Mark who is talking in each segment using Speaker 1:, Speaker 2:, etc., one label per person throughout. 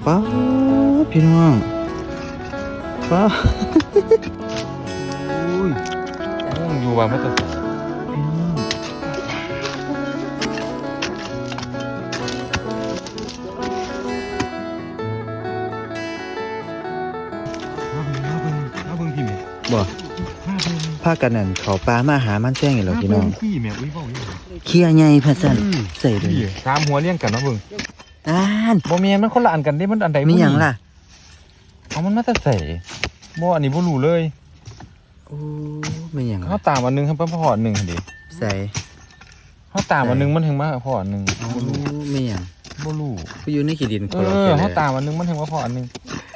Speaker 1: ป้าพี่น้องป้าอุ้ย
Speaker 2: อยู่ว่ามันจะใส่
Speaker 1: พี่น้อง
Speaker 2: มาเบิ่งพี่เมย์
Speaker 1: บ่
Speaker 2: มาเบิ่ง
Speaker 1: พากันนั่นเขาปลามาหามันแจ้งอีกแล้วพี่น้อง
Speaker 2: พี่เมย์อุ้ยเว้าอยู่
Speaker 1: เคี้ยใหญ่พัดสั่นใส่เลย
Speaker 2: พี่สามหัวเลี้ยงกันเนาะเบิ่ง
Speaker 1: อ่าน
Speaker 2: บ่แม่นมันคนละอันกันเด้มันอันใด
Speaker 1: มีหยังล่ะ
Speaker 2: เอามันมาแต่ใส่บ่อันนี้บ่รู้เลย
Speaker 1: โอ้มีหยัง
Speaker 2: เขาตามอันนึงครับพออันนึงหั่นดิ
Speaker 1: ใส่
Speaker 2: เขาตามอันนึงมันถึงมาพออันนึง
Speaker 1: โอ้มีหยัง
Speaker 2: บ่รู้
Speaker 1: ไปอยู่ในขี้ดิน
Speaker 2: เขาตามอันนึงมันถึงมาพออันนึง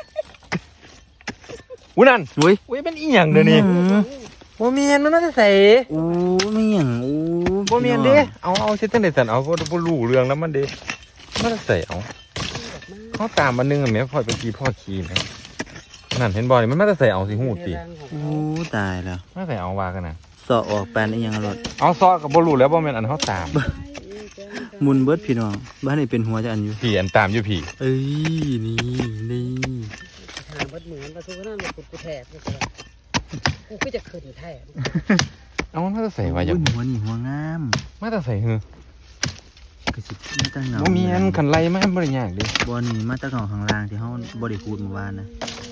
Speaker 2: อุ้ยนั่น
Speaker 1: อุ้ย
Speaker 2: อุ้ยเป็นอีหยังเด้อนี่บ่แม่นมันมาแต่ใส่
Speaker 1: โอ้มีหยังโอ้
Speaker 2: บ่แม่นเด้เอาเฮ็ดจังได๋ซั่นเอาบ่รู้เรื่องนำมันเด้มันใส่เอาเขาตามอันนึงอะแม่พ่อเป็นกี่พ่อขี้แม่นั่นเห็นบ่นี่มันมาแต่ใส่เอาสิฮู้ติ
Speaker 1: โอ้ตายแล้ว
Speaker 2: มาใส่เอาว่ากันน่ะ
Speaker 1: สอออกปานอีหยังรถ
Speaker 2: เอาซอก็บ่รู้แล้วบ่แม่นอันเขาตาม
Speaker 1: มุนเบิดพี่น้องบ้านนี้เป็นหัวจะอันอยู่
Speaker 2: พี่อันตามอยู่พี่
Speaker 1: เอ้ยนี่
Speaker 3: หาบัดเหมือนประตูนั่นเลยกูแทบเลยกูก็จะขึ้นแทบ
Speaker 2: เอามันมาแต่ใส่ว่าอย่า
Speaker 1: โอ้ยหัวนี่หัวงาม
Speaker 2: มาแต่ใส่หือก
Speaker 1: ระสิบมาตั้งเงา
Speaker 2: บ่มีอันคันไล่มาบ่ได้ยากเดิ
Speaker 1: บอนี่มาตั้งเงาข้างล่างที่เฮาบ่ได้พูดเมื่อวานนะ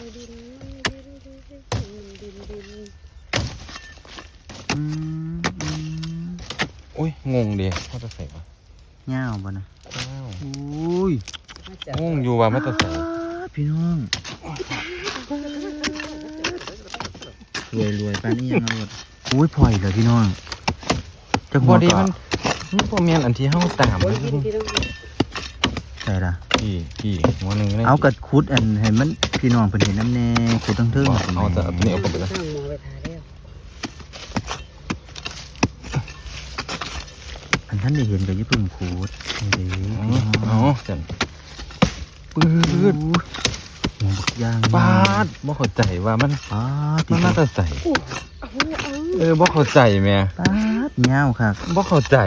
Speaker 1: อืม
Speaker 2: โอ้ยงงดิมาแต่ใส่ว่า
Speaker 1: เงาบ่นะ
Speaker 2: อ้าว
Speaker 1: โอ้ย
Speaker 2: งงอยู่ว่ามาแต่ใส่
Speaker 1: พี่น้องรวยปานนี้ยังเอาหมดโอ้ยพลอยเหรอพี่น้องจักหั
Speaker 2: บ่
Speaker 1: ว
Speaker 2: ดี
Speaker 1: ก่อ
Speaker 2: มันบ่แม่นอันที่เฮาตาม
Speaker 3: โอ้ยพี่ต้อง
Speaker 1: ใช่ล่ะ
Speaker 2: พี่หัวหนึงเลย
Speaker 1: เอากัดคุดอันให้มันพี่น้องเพิ่นเห็นน้ำแน่คุดทั้งเทิง
Speaker 2: เอาแต่อันนี้เอาไปเลย
Speaker 3: สร้างมอไปทาแล้ว
Speaker 1: อันท่านได้เห็นก็อย่าเพิ่งคุดเด้อ
Speaker 2: เอาจังปื๊ด
Speaker 1: หัวบักย่าง
Speaker 2: ปาดบ่เข้าใจว่ามัน
Speaker 1: ปาด
Speaker 2: มันมาแต่ใส่
Speaker 3: เอา
Speaker 2: บ่เข้าใจแม่
Speaker 1: ปาดเงาครับ
Speaker 2: บ่เข้าใจ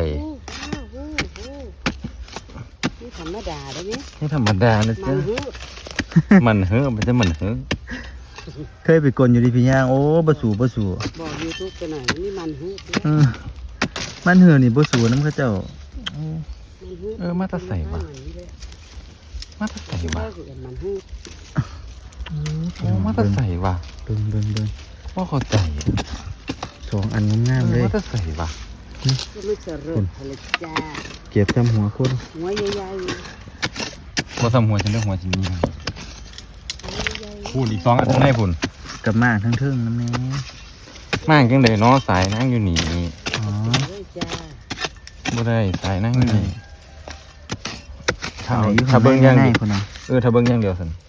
Speaker 3: นี่ธรรมดาได้ไหม
Speaker 2: นี่ธรรมดานะ
Speaker 3: มั
Speaker 2: จ๊ะ
Speaker 3: นหู
Speaker 2: มันเฮ้อมันจะมันเฮ้อ
Speaker 1: เคยไปกลอยู่ที่พี่ย่างโอ้บ่สู่
Speaker 3: บอกยูทูบไปหน่อยนี่มันหู
Speaker 1: มันเหือนี่บ่สู่น้ำเขาเจ้า
Speaker 2: มาแต่ใส่ว่ะมาแต่ใส่ว่ะ
Speaker 3: มันหู
Speaker 2: โอ้มาแต่ใส่ว่ะ
Speaker 1: เบิ่ง
Speaker 2: บ่เข้าใจ
Speaker 1: สองอันงามๆเลย
Speaker 2: มาแต่ใส่ว่ะ
Speaker 3: ก็ไม่เจริญผลิตจ้า
Speaker 1: เก็บทำหัวคน
Speaker 3: หัวใหญ่
Speaker 2: บ่ทำหัวฉันเด้อหัวฉันนี่พูดอีก2อันข้างในพุ่น
Speaker 1: กับมากทั้งเทิงน้ำแน่
Speaker 2: มากจังได๋เนาะสายนั่งอยู่นี่
Speaker 1: อ๋อ
Speaker 3: เลยจ้า
Speaker 2: บ่ได้สายนั่งอยู่นี่
Speaker 1: ทางไหนอยู่
Speaker 2: ถ้า
Speaker 1: ข้าง
Speaker 2: เบิ่งอย่าง
Speaker 1: ใน
Speaker 2: เดียว
Speaker 1: คนน่ะ
Speaker 2: ถ้าเบิ่งอย่างเดียวซั่น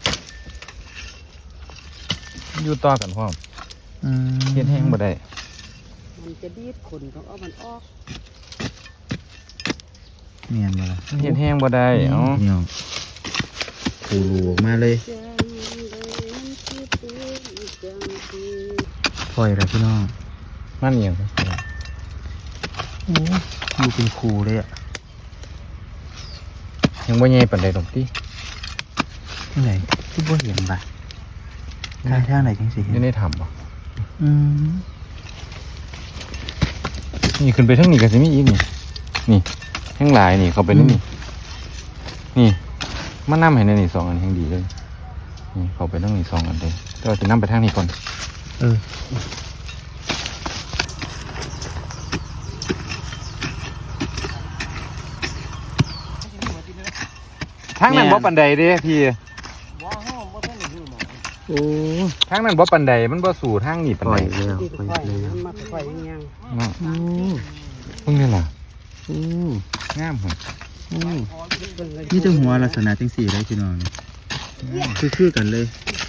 Speaker 2: อยู่ต่อกันพร้อมเฮ็ดแห้งบ่ได้
Speaker 3: มันจะดีดขนของมันออก
Speaker 1: เมียนบ่ล่ะ
Speaker 2: เฮ็ดแห้งบ่ได้เอ้า
Speaker 1: พี่น้องปูรูออกมาเลยปล่อยแล้วพี่น้อง
Speaker 2: มันอีหยัง
Speaker 1: โอ้อยู่เป็นครูเลยอ่ะ
Speaker 2: ยังบ่ใหญ่ปานใดดอกติ
Speaker 1: ที่ไหนที่บ่เห็นบ่ะทางไหนจังสิเห็
Speaker 2: อยู่
Speaker 1: น
Speaker 2: ในถ้ำบ่
Speaker 1: อืม
Speaker 2: นี่ขึ้นไปทางนี้ก็สิมีอีกนี่นี่แห้งหลายนี่เข้าไปในนี่นี่มันนำให้ในนี่2อันแห่งดีเลยนี่เข้าไปทางนี้2อันเลยแต่ว่าสินำไปทางนี้ก่อน
Speaker 1: เออ
Speaker 2: ทางนั้นบ่ปานใดเด้พี่
Speaker 1: โอ้
Speaker 2: ทางนั้นบ่ปานใดมันบ่สู่ทางนี้ปาน
Speaker 1: ปล่
Speaker 2: ใด
Speaker 1: อยแล้ว
Speaker 3: ดี
Speaker 1: ปล่อย
Speaker 3: ค่อย
Speaker 1: แล้ว
Speaker 3: มาค่อยยัง
Speaker 2: เนาะ
Speaker 1: โอ้
Speaker 2: เพิ่งนี่ล่ะ
Speaker 1: โอ้
Speaker 2: งามหั่น
Speaker 1: โอ้นี่จะหัวลักษณะจังสี่เลยพี่น้องนี่คือกันเลย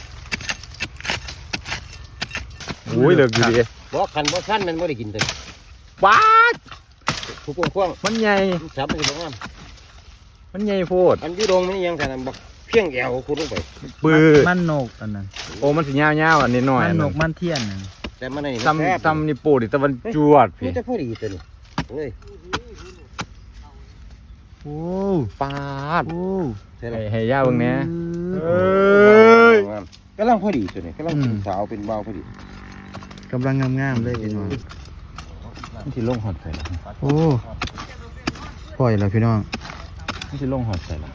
Speaker 2: โอ้ยเลิกอยู่ดิ
Speaker 4: บ่คันบ่สั้นมันบ่ได้กินเลย
Speaker 2: ป๊าด
Speaker 4: ผู้กว้าง
Speaker 2: มันใหญ่
Speaker 4: ๆจับมันสิบ่งาม
Speaker 2: มันใหญ่โพด
Speaker 4: อันอยู่ดงมันยังกันบ่เพียงแอวขุดลงไป
Speaker 2: ปื้อ
Speaker 1: มันนกอันนั้น
Speaker 2: โอ้มันสิยาวๆอันนี้หน่อย
Speaker 1: มั
Speaker 2: อั
Speaker 1: น
Speaker 2: น
Speaker 1: น
Speaker 2: นั้
Speaker 1: ก
Speaker 2: น
Speaker 1: มันเทียนนั่น
Speaker 4: แต่มันนี่
Speaker 2: ซ้ำนี่โปดิตะวันจวด
Speaker 4: พี่
Speaker 2: พี่
Speaker 4: จะพอดีตัวนี้เอ้ย
Speaker 1: โอ้
Speaker 2: ป๊าด
Speaker 1: โอ้
Speaker 4: ใช่
Speaker 2: ให้
Speaker 4: ล่ะ
Speaker 2: ให้ย่าเบิ่งแหน่
Speaker 1: ย
Speaker 4: งามกำลังพอดีตัวนี้กำลังเป็นสาวเป็นเบาพอดี
Speaker 1: กำลังงามๆเลยพี่น้อง
Speaker 2: มันสิลงหอดใส่ละ
Speaker 1: โอ้ปล่อยแล้วพี่น้อง
Speaker 2: มันสิลงหอดใส่ละ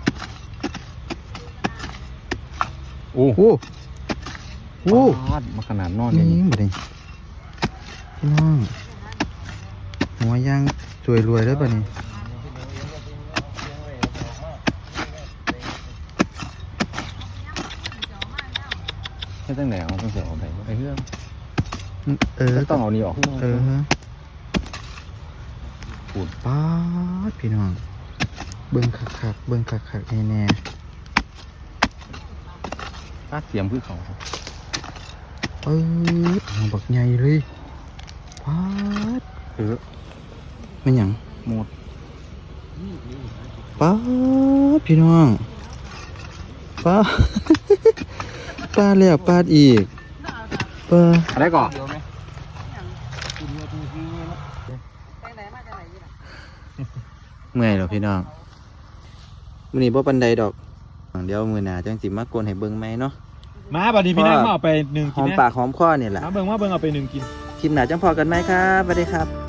Speaker 2: โอ้
Speaker 1: โอ้โอ้
Speaker 2: ปาดมาขนาดนอน
Speaker 1: นี่
Speaker 2: นี่
Speaker 1: บ่ได้พี่น้องหัวย่างสวยรวยเลยป่ะนี่
Speaker 2: แค่ตั้งไหนเอาต้องเสียออกไปไอ้เรื่อง ต้องเอานี่ออก พูด
Speaker 1: ป๊าดพี่น้องเบิ่งคักๆเบิ่งคักๆแน่
Speaker 2: ปาดเสียมคือเขาครับ
Speaker 1: ๆหัวบักใหญ่เลยป๊าดมันหยัง
Speaker 2: หมด
Speaker 1: ป๊าดพี่น้องป๊าด ปาดแล้วปาดอีกปาด
Speaker 2: อะไรก่อน
Speaker 3: แต่ไหนมาจากไหนนี่ล่ะ
Speaker 1: เมื่อยเหรอพี่น้องมื้อนี้บ่ปานใดดอกเดี๋ยวมื้อหน้าจังสิมากวนให้เบิ่งใหม่เนาะ
Speaker 5: มาบัดนี้พี่นักมาเอาไป1
Speaker 1: ห
Speaker 5: กิ
Speaker 1: อน ม
Speaker 5: นะ
Speaker 1: ปากหอมคอเนี่ยแหละ
Speaker 5: มาเบิ่งเอาไป1กิน
Speaker 1: คลิปหน้าจังพอกันไหมครับสวัสดีครับ